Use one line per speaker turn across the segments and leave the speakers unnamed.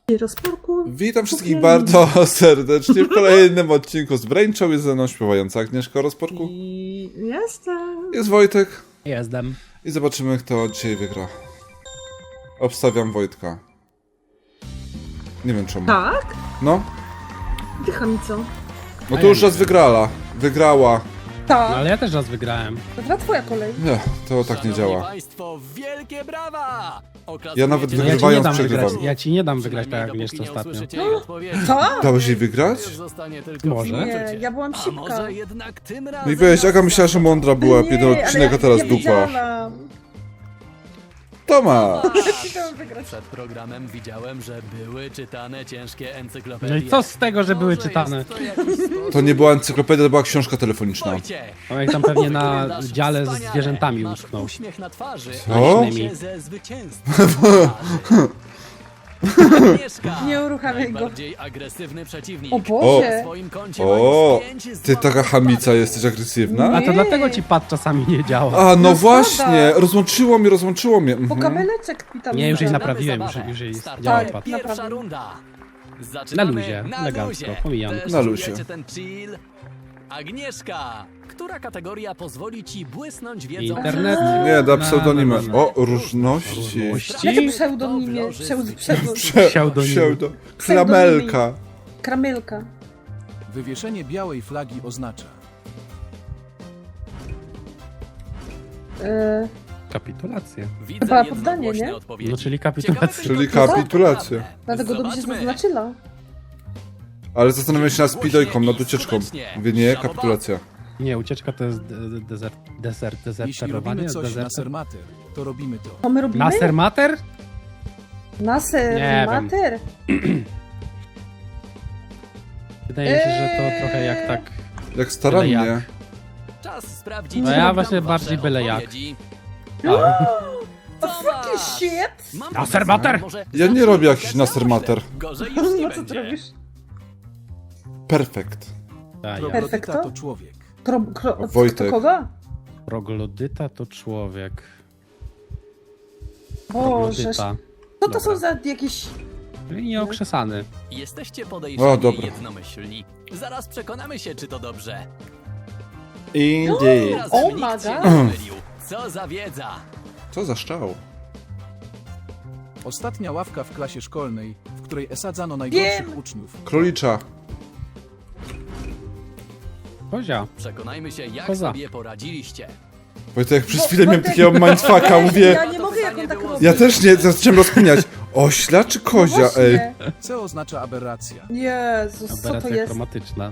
Rozporku.
Witam wszystkich bardzo serdecznie w kolejnym odcinku z Brain Show. Jest ze mną śpiewająca Agnieszka Rozporku.
I jestem.
Jest Wojtek.
Jestem.
I zobaczymy, kto dzisiaj wygra. Obstawiam Wojtka. Nie wiem czemu.
Tak?
No.
Dycha mi co?
No to już raz wygrała.
Tak.
No ale ja też raz wygrałem.
To teraz twoja kolej.
Nie, to tak nie działa.
Państwo, wielkie brawa!
Ja nawet
No ja ci nie
wygrywając
dam
przegrywam.
wygrać. Ja ci nie dam wygrać tak jak Agnieszka ostatnio.
Co?
Dałeś jej wygrać?
Może.
Nie, ja byłam
A
szybka.
może jednak tym
No
razem...
i weź, Aga myślała, że mądra była, jeden odcinek, a teraz
ja
dupa.
wiedziałam.
Toma!
Chciałam wygrać.
Przed programem widziałem, że były czytane ciężkie encyklopedie.
No i co z tego, że były
Może
czytane?
jest to jakiś sposób?
To nie była encyklopedia, to była książka telefoniczna.
Wojciech,
No jak tam pewnie na
wyglądasz
dziale z
wspaniale.
zwierzętami
Masz
utknął.
uśmiech na twarzy.
Co?
a się ze zwycięstwa. Agnieszka,
Nie uruchamiaj go.
najbardziej agresywny przeciwnik.
O
Na
Boże.
swoim koncie
O,
ma już 5
ty taka
złotych
chamica
wpadek.
jesteś agresywna?
A
Nie.
to dlatego ci pad czasami nie działa.
A, no
No
właśnie,
szkoda.
rozłączyło mnie.
Po
Mhm.
kabeleczek mi tam
Nie, już jej
zabrał.
naprawiłem,
Zabawę.
już jej
Startuje
działa
Tak.
pad.
Pierwsza
Naprawdę.
runda. Zaczynamy
Na luzie, elegancko, pomijam.
Też
Na luzie.
czujecie ten chill? Agnieszka, która kategoria pozwoli ci błysnąć wiedzą?
Internet.
Nie, da
No,
pseudonimem.
no, no.
O, różności.
Jakie pseudonimie?
Pseudonim.
Klamelka.
Kramelka.
Wywieszenie białej flagi oznacza
Kapitulację.
Widzę
Chyba poddanie,
jednogłośne
nie?
odpowiedzi.
No czyli kapitulacja.
Ciekawe
Czyli
tylko, kto
kapitulacja.
naprawdę.
Dlatego dobrze się
Zobaczmy.
zaznaczyła.
Ale zastanawiam się nad speedojką, nad ucieczką. Mówię, nie, kapitulacja.
Nie, ucieczka to jest
jeśli
dezerterowanie.
robimy coś na sermater, to robimy to.
To my robimy?
Naser mater?
Naser,
Nie wiem.
mater.
Wydaje mi się, że to trochę jak tak...
Jak starannie.
jak.
Czas sprawdzić.
No ja
Tam
właśnie
wasze
bardziej byle jak.
odpowiedzi.
O fucking shit!
Mam
Naser
pomysł.
mater!
Może
Ja nie
zacznij
robię
pisać
jakiś naser
na
mater.
oślep. Gorzej już nie
No co ty
będzie.
robisz?
Perfekt.
Ja.
Perfekto?
Troglodyta to człowiek.
Wojtek.
Kto kogo?
Proglodyta to człowiek.
Boże.
Proglodyta.
Co to są
Dobra.
za jakieś...
Czyli nieokrzesany.
Jesteście
O,
podejrzani
dobra.
jednomyślni. Zaraz przekonamy się, czy to dobrze.
Indeed.
Razem
Oh
nikt
my
się
God.
nie mylił. Co za wiedza.
Co za szczał.
Ostatnia ławka w klasie szkolnej, w której esadzano najgorszych
Wiem.
uczniów.
Królicza.
Kozia.
Przekonajmy się, jak
Koza.
sobie poradziliście.
Wojtek, przez chwilę miałem takiego mindfucka, mówię...
Ja nie mogę, jak on tak robi.
Ja też nie, zacząłem rozkminiać. Ośla czy kozia,
No
ej?
właśnie.
C oznacza aberracja.
Jezus, co to
Aberracja
jest?
chromatyczna.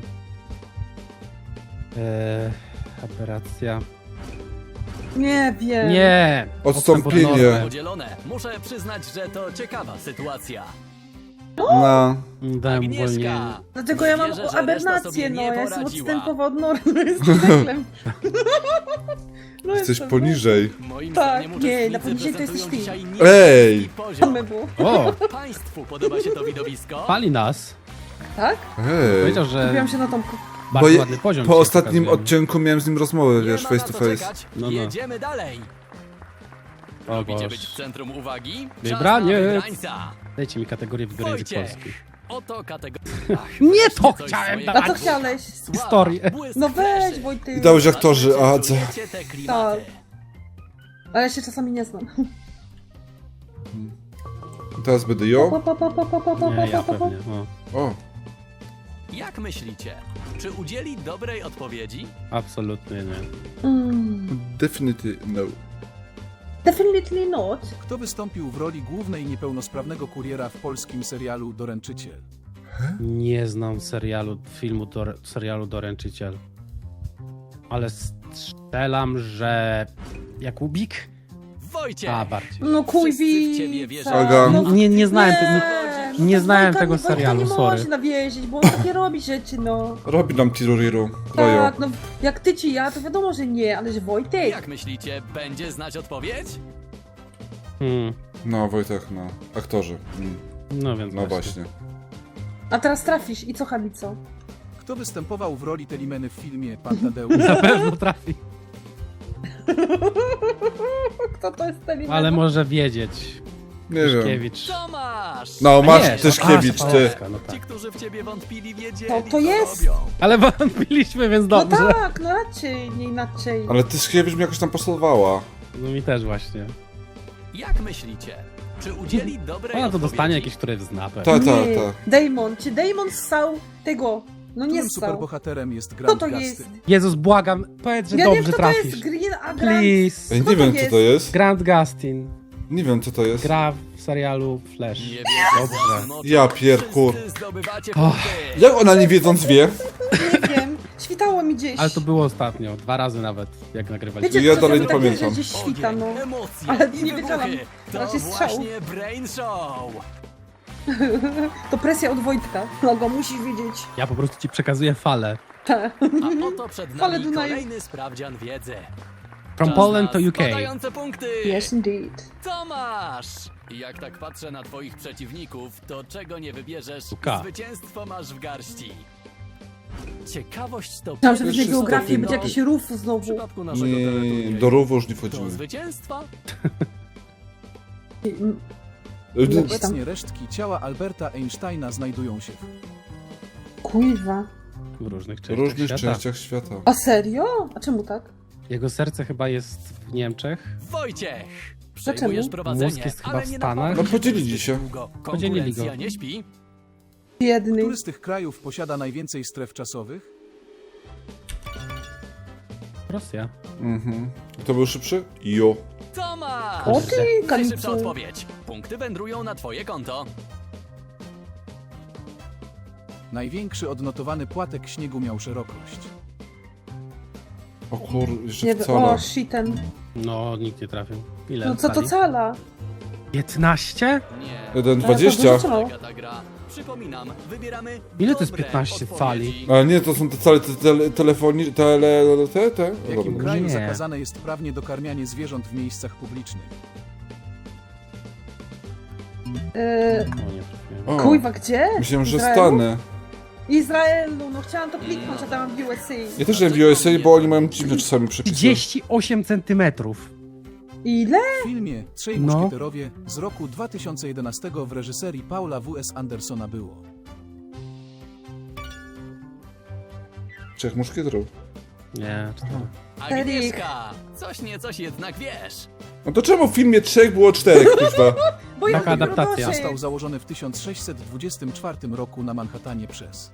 Aberracja.
Nie wiem.
Nie!
Odstąpienie.
Odstęp od normy.
Podzielone. Muszę przyznać, że to ciekawa sytuacja.
No.
Dałem uwolnienie.
Agnieszka.
Dlatego ja mam
Wierzę, że reszta
abernację,
sobie
no.
nie
Ja jestem
poradziła.
odstępowa od normy. Jestem deklem. No
Jesteś
jestem,
poniżej.
Moim
Tak,
zdaniem
nie,
uczestnicy
na poniżej to jesteś
prezentują
ty.
dzisiaj
Ej!
niski
No.
poziom.
My było.
O!
Państwu podoba się to widowisko?
Pali nas.
Tak?
Ej.
Powiedział, że
Kupiłam się na Tomku.
Bo
bardzo
je,
ładny poziom
po
dzisiaj
ostatnim
pokazujemy.
odcinku miałem z nim rozmowę,
Nie
wiesz,
ma
face
na
to
co
face.
czekać.
No, no.
Jedziemy dalej.
O
Lubicie
Boże.
być w centrum uwagi? Czas
Wybraniec.
na wybrańca.
Dajcie mi kategorię w język
Wojciech.
polski.
Oto kategoria.
Nie to chciałem
A
dawać.
co chciałeś?
Historię.
No weź, Wojty.
I dałeś aktorzy, a co?
Tak. Ale ja się czasami nie znam.
Teraz będę ją.
Nie, ja pewnie. O,
O,
Jak myślicie? Czy udzieli dobrej odpowiedzi?
absolutnie nie.
definitely no.
Definitely not.
Kto wystąpił w roli głównej niepełnosprawnego kuriera w polskim serialu Doręczyciel?
Nie znam serialu Doręczyciel. Ale strzelam, że... Jakubik?
Wojciech!
A, bardziej.
No
Wszyscy w ciebie
kujwica.
wierzą.
Aga.
No,
Nie znałem tego.
no
nie
to
znałem
Wojtka
tego
Wojtka
serialu,
nie
sorry.
można wierzyć, bo on takie robi rzeczy, no.
Robi nam tiruriru. Rojo.
Tak, no jak ty ci ja, to wiadomo, że nie, ale że Wojtek.
Jak myślicie, będzie znać odpowiedź?
No, Wojtek, no. Aktorzy.
No więc
No właśnie.
A teraz trafisz i co, Habico?
Kto występował w roli Telimeny w filmie Pan Tadeusz?
Na pewno trafi.
Kto to jest ten
Ale może wiedzieć.
Nie wiem.
Kiewicz.
Tomasz!
No, masz
Nie,
Tyszkiewicz, ty.
Szafałowska, no
Ci,
tak.
którzy w ciebie wątpili, wiedzieli,
To
co
jest.
robią.
Ale wątpiliśmy, więc
No
dobrze.
tak, no raczej, nie inaczej.
Ale Tyszkiewicz mi jakoś tam pasowała.
No mi też właśnie.
Jak myślicie? Czy udzieli dobrej
Ona to
odpowiedzi?
dostanie jakieś, które zna pewnie.
Tak, tak,
Nie.
tak.
Damon, czy Damon ssał tego? No nie
Którym
ssał.
superbohaterem jest
Kto
Grant
to
Gustin?
jest?
Jezus, błagam, powiedz, że
Ja nie
dobrze
wiem, kto
trafisz.
to jest Green, a Grant...
Please.
Ej,
Kto
nie
to
wiem, co
jest?
to jest.
Grant Gustin.
Nie wiem, co to jest.
Gra w serialu Flash.
Nie wiecie
Dobrze.
własnym oczom.
Ja pierkur.
Wszyscy zdobywacie
Och.
punkty.
Jak ona nie wiedząc wie?
Nie wiem, świtało mi gdzieś.
Ale to było ostatnio, 2 razy nawet, jak nagrywaliśmy.
Wiecie,
Ja
czasem
dalej nie
tak jest,
pamiętam.
że gdzieś świta, no.
Ogień, emocje
Ale
i
nie
wybuchy.
wiedziałam.
To
Raczej strzał.
właśnie Brain Show.
To presja od Wojtka. Logo, musisz wiedzieć.
Ja po prostu ci przekazuję falę.
Tak.
A oto przed
Fale
nami
Dunaju.
kolejny sprawdzian wiedzy.
From
Czas
Poland
na
to UK.
spadające punkty.
Yes, indeed.
Tomasz! Jak tak patrzę na twoich przeciwników, to czego nie wybierzesz,
Uka.
zwycięstwo masz w garści. Ciekawość to
Myślałam, że
pierwszy
będzie geografię,
stopień
będzie jakiś rów
w
znowu.
przypadku naszego
Nie,
teleturnieju.
do rowu już nie
Do
wchodzimy.
zwycięstwa?
Obecnie resztki ciała Alberta Einsteina znajdują się w
W
Kuźwa.
różnych
W
częściach
różnych
świata.
częściach świata.
A serio? A czemu tak?
Jego serce chyba jest w Niemczech.
Wojciech!
Dlaczego?
Przejmujesz prowadzenie,
Mózg jest chyba
ale
w
nie
Stanach.
napawasz
No, podzielili
zbyt
się.
długo.
Podzielili
Konkurencja
go.
nie śpi?
Biedny.
Który z tych krajów posiada najwięcej stref czasowych?
Rosja.
Mhm. Kto był szybszy? Jo.
Tomasz!
O ty,
Najszybsza
kanicu.
odpowiedź. Punkty wędrują na twoje konto.
Największy odnotowany płatek śniegu miał szerokość.
O kur... jeszcze
Nie wiem,
wcale.
o shiten.
No, nikt nie trafił. Ile
No co to
stali?
cala?
15?
Nie.
1,20.
No.
Jaka ta gra? Przypominam, wybieramy
Ile to jest
dobre
15
odpowiedzi.
cali?
Ale nie, to są te całe telefoni... te?
W jakim
Dobra.
kraju
Nie.
zakazane jest prawnie dokarmianie zwierząt w miejscach publicznych?
Yy,
O, nie trafiłem.
O,
Kuźwa, gdzie?
myślałem, że
Izraelu?
Stany.
Izraelu, no chciałam to kliknąć, a tam w USA.
Ja też wiem w USA, bo oni mają dziwne czasami przepisy.
38 centymetrów.
Ile?
W filmie Trzej
No.
Muszkieterowie z roku 2011 w reżyserii Paula W.S. Andersona było.
Trzech muszkieterów.
Nie, 4.
Agnieszka! Coś nie coś jednak wiesz.
No to czemu w filmie trzech było czterech, kuźwa?
Bo ja
Taka
lubię
adaptacja.
rodoszy.
Został założony w 1624 roku na Manhattanie przez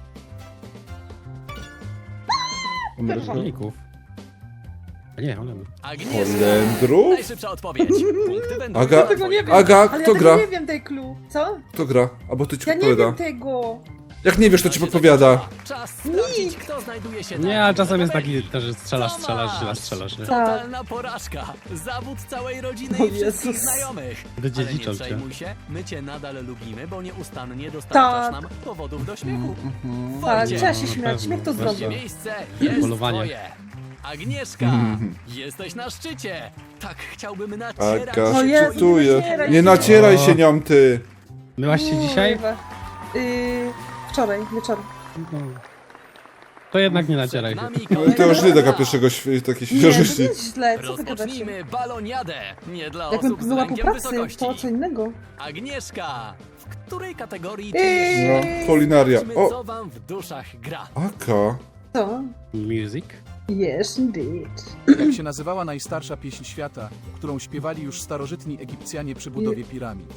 Rolników. A nie, one.
Agnieszka!
Holendrów?
Najszybsza odpowiedź. Punkty wędrują
Aga-
na
Tego
twoje
nie wiem.
konto.
Aga,
Ale
kto
ja tego
gra?
nie wiem tej clue. Co?
Kto gra? Albo ty ci
Ja nie
podpowiada.
wiem tego.
Jak nie wiesz, to ci podpowiada.
Czas sprawdzić, kto znajduje się
Nie,
na
ale czasem jest
tabeli.
taki, też że strzelasz,
Tomasz!
strzelasz, nie?
Totalna porażka. Zawód całej rodziny
O
i wszystkich
Jezus.
znajomych.
Wydziedziczą
Ale nie
cię.
przejmuj się, my cię nadal lubimy, bo nieustannie dostarczasz
Tak.
nam powodów do śmiechu.
Tak,
Wojciech,
trzeba się
na
śmiać.
pewno,
Śmiech to
właśnie.
zdrowie.
miejsce jest
Polowanie.
twoje. Agnieszka, jesteś na szczycie. Tak chciałbym nacierać
Aga
O
się
Jezu,
czytuje.
nie nacieraj
Nie
się.
nacieraj się nią, ty.
Myłaś się dzisiaj?
Kurwa. Wczoraj, wieczorem.
To jednak nie
Przed
nacieraj się.
nami
No i to już nie taka pierwszego takiej
Nie, to
świeżości.
nie jest źle. Co wy gadacie?
Rozpocznijmy baloniadę. Nie dla
Jakbym
osób z
była po
lękiem
pracy,
wysokości.
to co innego.
Agnieszka, w której kategorii
Eee.
czujesz się?
No, kulinaria.
Sprawdźmy,
O,
co wam w duszach gra.
Aka.
Co?
Music?
Yes, indeed.
Jak się nazywała najstarsza pieśń świata, którą śpiewali już starożytni Egipcjanie przy budowie piramid?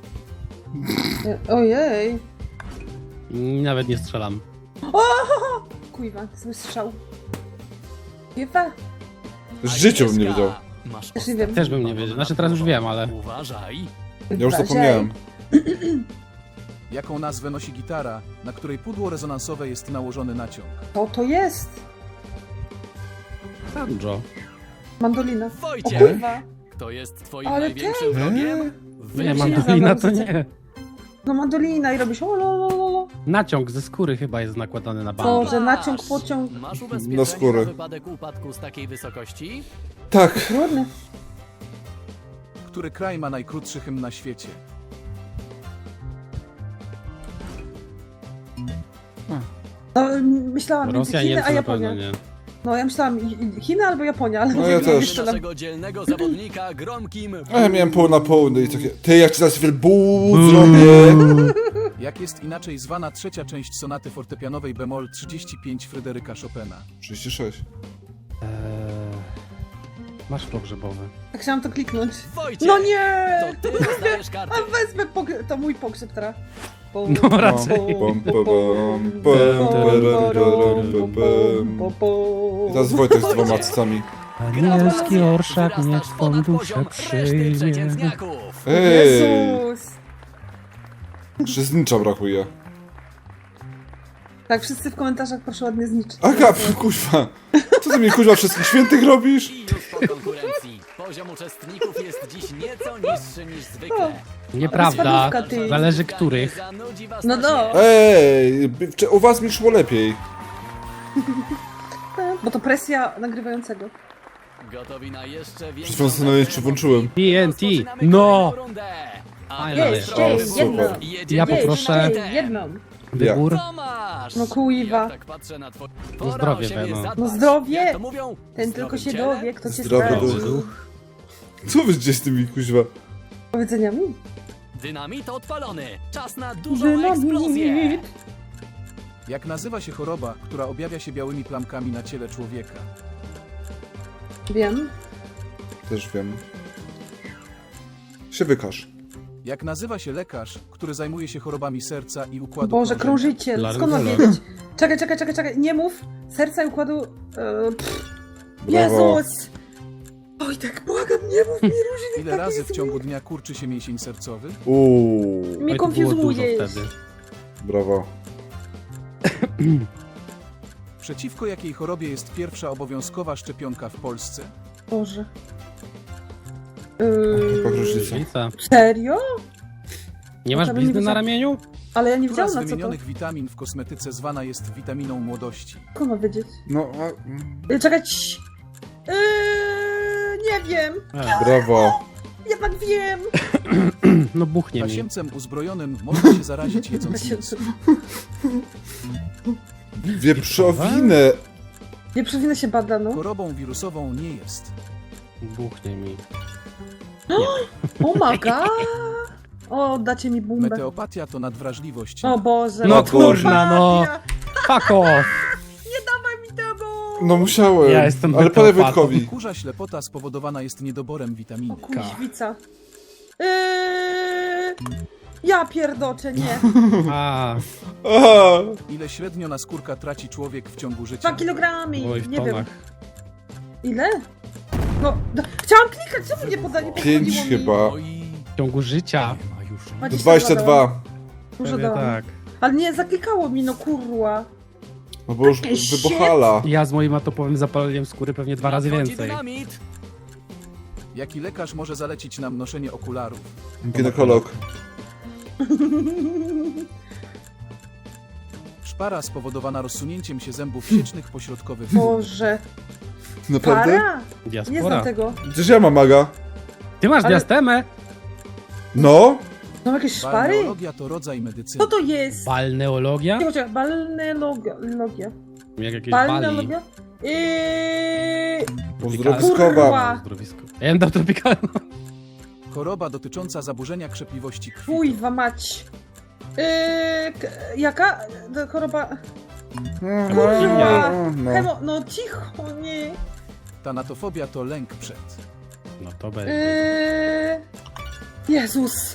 Ojej.
Nawet nie strzelam.
Kuźwa, zły strzał. Kuźwa.
W życiu bym nie
Agnieszka,
wiedział.
Masz
Też nie wiem.
Też bym nie wiedział. Znaczy teraz już wiem, ale...
Uważaj.
Ja już zapomniałem.
Jaką nazwę nosi gitara, na której pudło rezonansowe jest nałożony naciąg?
Co to jest?
Banjo.
Mandolina. O
Wojciech,
kurwa.
kto jest twoim
Ale
największym wrogiem?
Nie,
Wyjaśnij.
mandolina to nie.
No mandolina i robisz o lo.
Naciąg ze skóry chyba jest nakładany na banjo.
Boże, naciąg, pociąg.
Masz ubezpieczenie
Na skórę.
na wypadek upadku z takiej wysokości?
Tak.
Trudny.
Który kraj ma najkrótszy hymn na świecie?
No, myślałam między
Rosja,
Chiny,
Niemcy
a
na pewno
Japonia.
nie.
No ja myślałam Chiny albo Japonia, ale
No ja też.
strzelam.
Naszego dzielnego zawodnika gromkim...
A ja miałem pół na pół, no i takie... Ty, jak ci teraz wielbuu zrobię!
Jak jest inaczej zwana trzecia część sonaty fortepianowej bemol 35 Fryderyka Chopina?
36.
Masz pogrzebowy.
Tak chciałam to kliknąć.
Wojciech!
No nie!
To ty dostajesz kartę.
A wezmę to mój pogrzeb teraz.
No raczej.
I teraz Wojtek z dwoma cycami.
Anielski orszak
Wyrastasz
niech twą
ponad
duszę
poziom reszty
przyjmie.
przeciętniaków.
Ej!
Jezus!
Jeszcze znicza brakuje.
Tak, wszyscy w komentarzach proszę ładnie zniszczyć.
Aga, kuźwa. Co ty mi kuźwa wszystkich świętych robisz?
I już po konkurencji. Poziom uczestników jest dziś nieco niższy niż zwykle.
Nieprawda.
Spadówka, ty.
Zależy których.
Zanudzi was
No
na
no.
śmierć.
Ej, u was mi szło lepiej.
Bo to presja nagrywającego.
Gotowi na jeszcze większą...
Przed chwilą sobie nawet jeszcze włączyłem.
TNT.
Rozpoczynamy
No!
kolejną rundę. A
Fajna
teraz
jest.
proszę
O,
wyborów.
super.
Jedziemy
Ja
z
poproszę-
szczytem.
Jedną.
Wybór.
Tomasz!
No kuiwa.
Jak tak patrzę na twoje...
No
Pora
zdrowie,
o siebie
no.
zadbać.
No zdrowie.
Jak to mówią?
Ten
W
tylko się
zdrowym ciele,
dowie, kto cię
Zdrowy
sprawdzi.
duch. Co wy gdzieś z tymi kuźwa?
Powiedzeniami?
Dynamit odpalony. Czas na dużą eksplozję.
Dynamit.
Jak nazywa się choroba, która objawia się białymi plamkami na ciele człowieka?
Wiem.
Też wiem. Się wykaż.
Jak nazywa się lekarz, który zajmuje się chorobami serca i układu
Boże,
krążenia?
krążyciel. Skąd mam
Laryngolog.
wiedzieć? Czekaj. Nie mów. Serca i układu...
Brawo.
Jezus! Oj, tak błagam, nie mów mi różnych
Ile razy w ciągu dnia kurczy się mięsień sercowy?
Uuu,
Mnie
Oj, to było dużo
konfuzujesz.
wtedy.
brawo.
Przeciwko jakiej chorobie jest pierwsza obowiązkowa szczepionka w Polsce?
Boże.
Chyba różnica.
Różnica.
Serio?
Nie masz
To bym
blizny
nie
na
wiedziała.
ramieniu?
Ale ja nie
Która
wiedziałam
z
na co to.
wymienionych witamin w kosmetyce zwana jest witaminą młodości?
Skąd mam wiedzieć?
No,
Czekaj. cii. Nie wiem.
brawo.
Jednak wiem.
No buchnie mi.
Tasiemcem uzbrojonym można się zarazić jedząc mięso.
Wieprzowinę.
Nie przewinę się bada, no.
Chorobą wirusową nie jest.
Buchnie mi.
Oh my god. O, dacie mi bumbę.
Meteopatia to nadwrażliwość.
O Boże.
No
Matko.
kurna, no. Fuck off.
Nie dawaj mi tego.
No musiałem.
Ja jestem
ale podaj
meteopatą.
Wojtkowi.
Kurza ślepota spowodowana jest niedoborem witaminy.
Kuźwica. Ja pierdoczę, nie.
A,
Aha.
Ile średnio na skórka traci człowiek w ciągu życia?
2 kilogramy.
oj w
Nie wiem.
tonach.
Ile? No, chciałam klikać, co mnie podanie
5 chyba.
Oj,
W ciągu życia.
nie ma już.
22.
Dużo
Pewnie
dałam.
tak.
Ale nie, zaklikało mi, no kurwa.
No bo już
Shit.
wybuchala.
Ja z moim atopowym zapaleniem skóry pewnie 2 razy
Nadchodzi
więcej.
dynamit.
Jaki lekarz może zalecić nam noszenie okularów?
Ginekolog.
Szpara spowodowana rozsunięciem się zębów siecznych pośrodkowych.
Boże.
Naprawdę?
Para? Nie znam
Diaspora.
tego.
Przecież ja mam maga.
Ty masz
Ale-
diastemę?
No.
Są jakieś szpary?
Balneologia to rodzaj medycyny.
Co to jest?
Balneologia?
Czekaj, balneologia.
Jak jakieś bali.
Balneologia?
Uzdrowiskowa.
Kurwa.
Zdrowisko. Ja bym dał tropikalną.
Choroba dotycząca zaburzenia krzepliwości krwi.
Fujwa mać. Jaka? Choroba... Kurwa.
No.
No cicho, nie.
Tanatofobia to lęk przed.
No to będzie.
Jezus.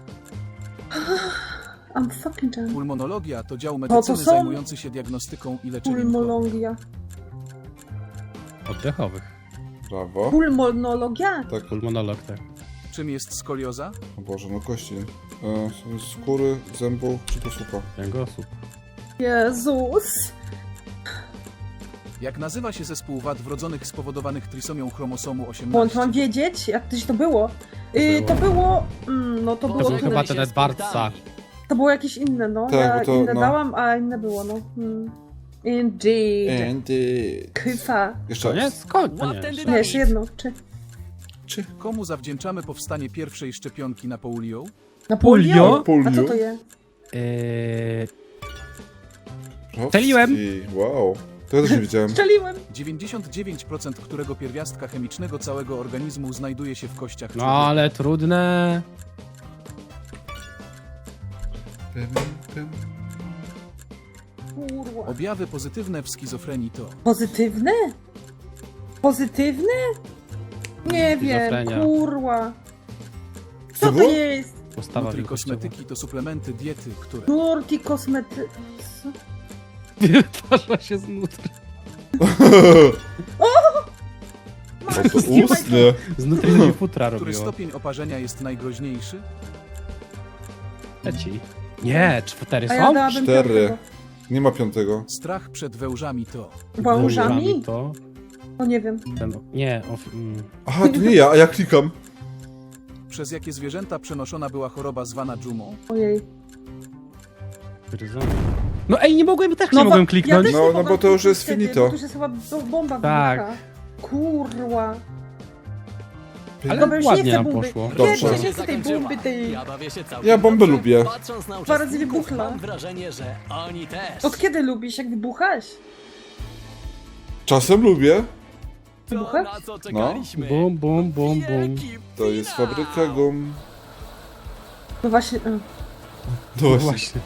I'm fucking done.
Pulmonologia to dział medycyny
są-
zajmujący się diagnostyką i leczeniem chorób.
Pulmonologia.
Oddechowych.
Brawo.
Pulmonologia?
Tak.
Pulmonolog, tak.
Czym jest skolioza?
O Boże, no kości. Skóry, zębów czy posłucha.
Kręgosłup.
Jezus.
Jak nazywa się zespół wad wrodzonych spowodowanych trisomią chromosomu
Bądź
18?
mam wiedzieć, jak tyś to było. To było... no to było...
był
Pożegnaj
chyba
się
ten
z
Edwardsa.
punktami.
To było jakieś inne, no.
Tak,
Ja
bo to,
inne
no.
dałam, a inne było, no. Indeed.
Andy.
Kyfa.
Jeszcze
To nie?
raz.
Skąd? To
Łap
nie.
ten
Nie,
dynamit.
jeszcze jedno. Czy
Komu zawdzięczamy powstanie pierwszej szczepionki na polio?
na
Polio?
A co to jest?
Strzeliłem.
Wow. To ja też nie widziałem.
Strzeliłem.
99% którego pierwiastka chemicznego całego organizmu znajduje się w kościach
No
człowieka.
ale trudne.
Kurwa.
Objawy pozytywne w schizofrenii to
Pozytywne? Pozytywne? Nie wiem,
Schizofrenia.
kurwa. Co to
było?
jest?
Postawa
nutri
wielkościowa.
kosmetyki to suplementy diety, które
Nurti kosmety... Co?
Wytwarza się z nutri.
O, to ustnie.
Z nutri futra
który
robiło.
stopień oparzenia jest najgroźniejszy?
Leci. Nie, 4
A ja
są?
dałabym
4.
piątego.
Nie ma 5.
Strach przed wężami to
Wężami?
To
O nie wiem.
ten, nie,
Aha, to nie ja, a ja klikam.
przez jakie zwierzęta przenoszona była choroba zwana dżumą?
Ojej.
No ej, nie mogłem, też nie
wa-
mogłem kliknąć.
też
No,
nie
no
mogłam
bo to już jest
kliknąć wtedy,
finito.
bo to już jest chyba bomba
Tak.
wybucha. Kurwa.
Ale
Dobra, już nie
ładnie
chcę
nam
bomby.
poszło.
Dobrze.
Nie chcę tej bomby tej...
Ja bawię się całkiem
Ja bombę
dobrze.
lubię.
Patrząc na
Dwa razy
uczestników,
wybuchła.
mam wrażenie, że oni też.
Od kiedy lubisz, jak wybuchasz?
Czasem lubię.
To,
wybucha?
na co czekaliśmy.
Bum, bum, bum, bum.
Wielki
To jest
finał.
fabryka gum.
No właśnie...
No
No
właśnie.
właśnie.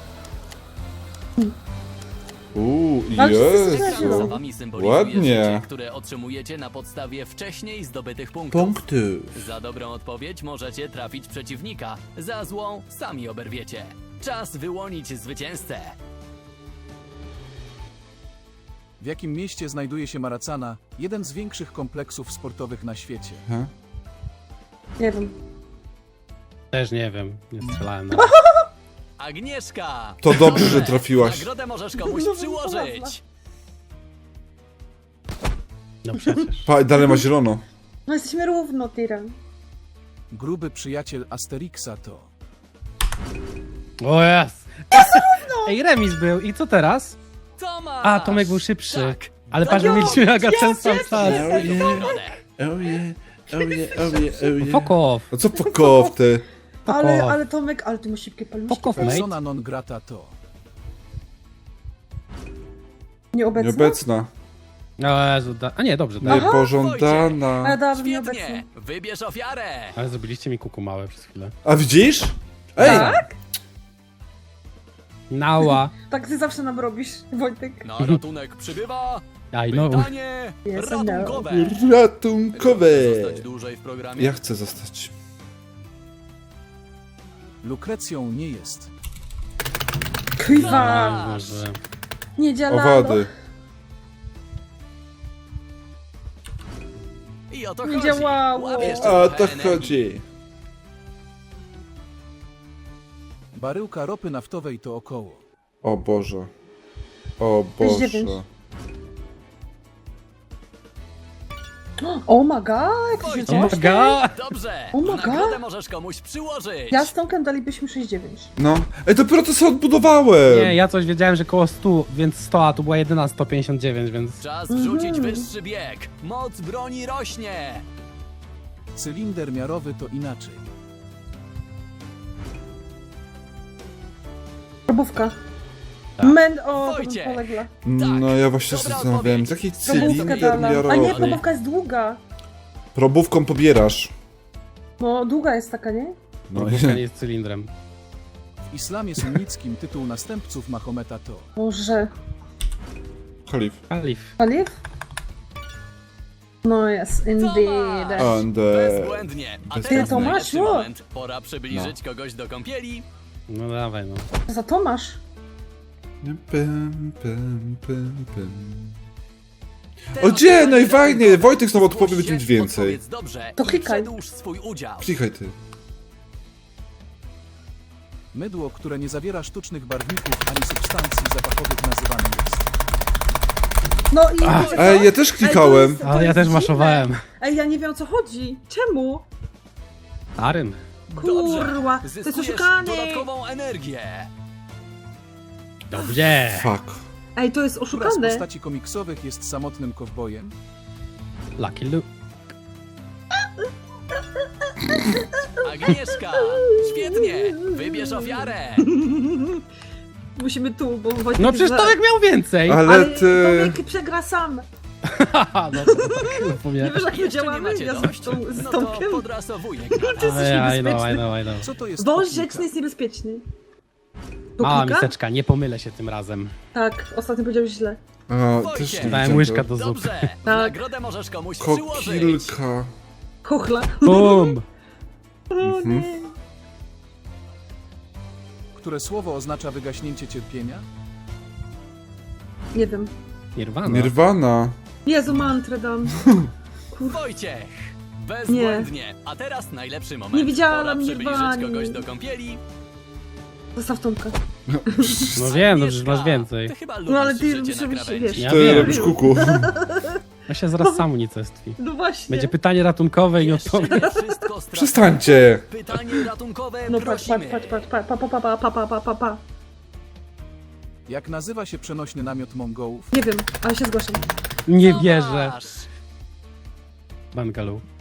Ale wszyscy
Jezu.
skojarzyło.
Za wami symbolizuje
Ładnie.
życie, które otrzymujecie na podstawie wcześniej zdobytych punktów.
Punkty.
Za dobrą odpowiedź możecie trafić przeciwnika, za złą sami oberwiecie. Czas wyłonić zwycięzcę.
W jakim mieście znajduje się Maracana, jeden z większych kompleksów sportowych na świecie?
Aha.
Nie wiem.
Też nie wiem, nie strzelałem na...
Agnieszka!
To dobrze, że trafiłaś.
Nagrodę możesz komuś
No,
przyłożyć.
No przecież.
Pa, dalej ma zielono.
No jesteśmy równo, Tyran.
Gruby przyjaciel Asterixa to
O jest! Ej, remis był. I co teraz?
Tomasz!
A, Tomek był szybszy.
Tak.
Ale patrz, że mieliśmy Aga ten sam czas.
Nagrodę.
Oh yeah, oh yeah, oh yeah, oh yeah.
Fuck off.
No co pokow ty?
Fuck
Ale,
off.
ale Tomek, ale ty masz szybkie paluszki.
Fuck off, mate.
persona non grata to
Nieobecna?
Nieobecna.
O Jezu, a nie, dobrze, tak.
A ja
Niepożądana.
dałabym nieobecną.
Świetnie! Wybierz ofiarę!
Ale zrobiliście mi kuku małe przez chwilę.
A widzisz? Ej!
Tak?
Nała.
Tak ty zawsze nam robisz, Wojtek.
Na ratunek przybywa
I know.
pytanie
Yes, I
ratunkowe.
Ratunkowe.
Chcesz zostać dłużej w programie?
Ja chcę zostać.
Lukrecją nie jest.
Kwiwa!
Boże.
Nie działa.
Owady.
I o to
Nie
chodzi.
działało.
Łap jeszcze
A
trochę
to
energii.
chodzi.
Baryłka ropy naftowej to około
O Boże. O
To jest
Boże.
9. Oh my god, jak to się
Wojciech.
Oh my
dzieje?
god.
Dobrze!
Oh my
Nagrodę
God.
możesz komuś przyłożyć.
Ja z Tomkiem dalibyśmy 6,9.
No. Ej, dopiero to sobie odbudowałem.
Nie, ja coś wiedziałem, że koło 100, więc 100, a tu była jedyna 159, więc...
Czas wrzucić wyższy bieg. Moc broni rośnie.
cylinder miarowy to inaczej.
Probówka.
Tak.
O, to bym
Wojciech.
poległa.
No ja właśnie się
Dobra
zastanawiałem,
odpowiedź.
jaki
Probówkę
cylinder
dałam. A nie,
miarowy.
probówka jest długa.
Probówką pobierasz.
No, długa jest taka, nie?
No
Probówka nie jest cylindrem.
W islamie sunnickim tytuł następców Mahometa to
Może.
Khalif.
Kalif.
Paliw? No jest, indeed.
And,
Bezbłędnie. A
Ty,
teraz
Tomaszu.
najlepszy moment. Pora przybliżyć kogoś do kąpieli.
No dawaj, no.
Za Tomasz.
Pym, pym, pym, pym.
Te
O gdzie?
osoby
Najfajniej!
ratunkowe.
Wojtek znowu odpowie,
Zgłoś
będzie
się,
mieć więcej.
odpowiedz dobrze
To
i
klikaj.
przedłuż swój udział.
Klikaj ty.
mydło, które nie zawiera sztucznych barwników ani substancji zapachowych nazywane jest.
No i wiecie co?
Ej, ja też klikałem.
to
Ale ja
jest
też
dziwne.
maszowałem.
Ej, ja nie wiem o co chodzi. Czemu?
Aryn.
Kurwa, to jest
Zyskujesz
oszukany.
dodatkową energię.
Dobrze.
Fuck.
Ej, to jest
Która z
oszukane.
postaci komiksowych jest samotnym kowbojem?
Lucky Luke.
Agnieszka, świetnie. Wybierz ofiarę.
musimy tu, bo Wojtek
No
jest
przecież
za-
Tomek miał więcej!
Ale
Ale
ty...
Tomek przegra sam.
Haha, no to tak
Nie
powiem.
wiesz jak my
Jeszcze nie
działamy?
macie
Ja
dość?
z
No to
Tomkiem.
podrasowuję.
I know.
Co to jest
Wąż
technika?
rzeczny jest niebezpieczny.
Mała
Poklika?
miseczka, nie pomylę się tym razem.
Tak, ostatnio powiedziałeś źle.
A,
Wojciech.
też nie
Dałem
widziałem
łyżka
tego.
do zupy.
Dobrze, nagrodę możesz komuś przyłożyć.
Kokilka.
Chochla.
Bum!
Które słowo oznacza wygaśnięcie cierpienia?
Nie wiem.
Nirvana.
Nirvana.
Jezu, mantrę dam.
Wojciech! Bezbłędnie. A teraz najlepszy moment.
Nie widziałam
Pora przybliżyć
Nirwani.
kogoś do kąpieli.
Zostaw Tomka.
No wiem, no przecież
Agnieszka,
masz więcej.
Ty chyba lubisz
No ale ty
życie na
musisz,
krawędzi.
wiesz.
Ja
Ty
wiem.
robisz kuku.
Ja się zaraz sam unicestwi.
No właśnie.
Będzie pytanie ratunkowe i nie
Jeszcze
odpowiem.
nie wszystko stracone.
Przestańcie.
Pytanie ratunkowe
No patrz,
prosimy.
pa.
Jak nazywa się przenośny namiot Mongołów?
Nie wiem, ale się zgłaszam.
Nie
No
wierzę.
masz.
Bangaloo.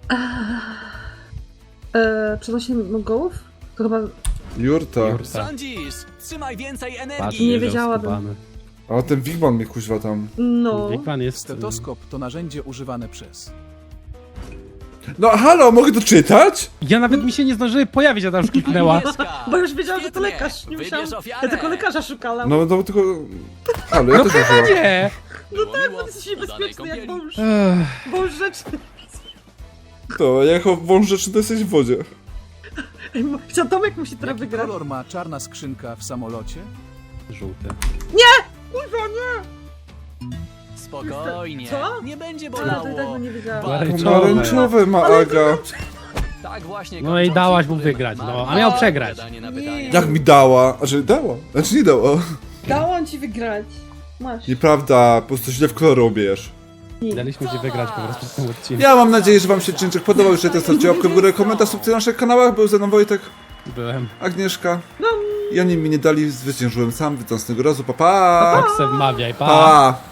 Przenośnie Mongołów? To chyba...
Jurta.
Jurta.
Sądzisz? Trzymaj więcej
Patrz,
energii.
Nie
wiedział
wiedziałabym.
skubany.
A ten Wigman mnie kuźwa tam.
No.
Wigman jest...
Stetoskop to narzędzie używane przez...
No halo, mogę to czytać?
Ja nawet mi się nie zdążyły pojawić, a tam już kliknęła.
Agnieszka,
Bo już wiedziałam, że to
świetnie.
lekarz. Nie
Wybierz
musiałam...
ofiarę.
Ja tylko lekarza szukałam.
No tylko... Halo, ja
No
też
chyba
użyłam.
nie!
Było miło.
Bo ty jesteś
Udanej
niebezpieczny jak
kąpieli.
wąż.
Ech,
Wąż rzeczny.
To, jako wąż rzeczny to jesteś w wodzie.
Chciał Tomek musi teraz
Jaki
wygrać.
kolor ma czarna skrzynka w samolocie?
żółty.
Kurwa, nie!
Spokojnie.
Co?
Nie będzie
Ale to i tak
bolało.
bym nie wiedziała.
Pomarańczowe.
Pomarańczowe ma Aga.
Tak właśnie.
No i
kończąc
dałaś mu
niektórych
wygrać, no,
marnych
a miał przegrać.
odpowiadanie na
Nie.
pytania.
Jak mi dała? Znaczy dała. Znaczy nie dała.
Dałam ci wygrać. Masz.
Nieprawda, po prostu źle w kolor robisz.
Daliśmy ci wygrać po prostu w tym odcinku.
Ja mam nadzieję, że wam się czynczyk podobał. Jeżeli to stawcie łapkę w górę, komentarz, subskrypcję na naszych kanałach. Był ze mną Wojtek,
Byłem.
Agnieszka. I oni mi nie dali, zwyciężyłem sam. Witam z tego razu. Pa, pa!
Tak se wmawiaj, pa!
Pa!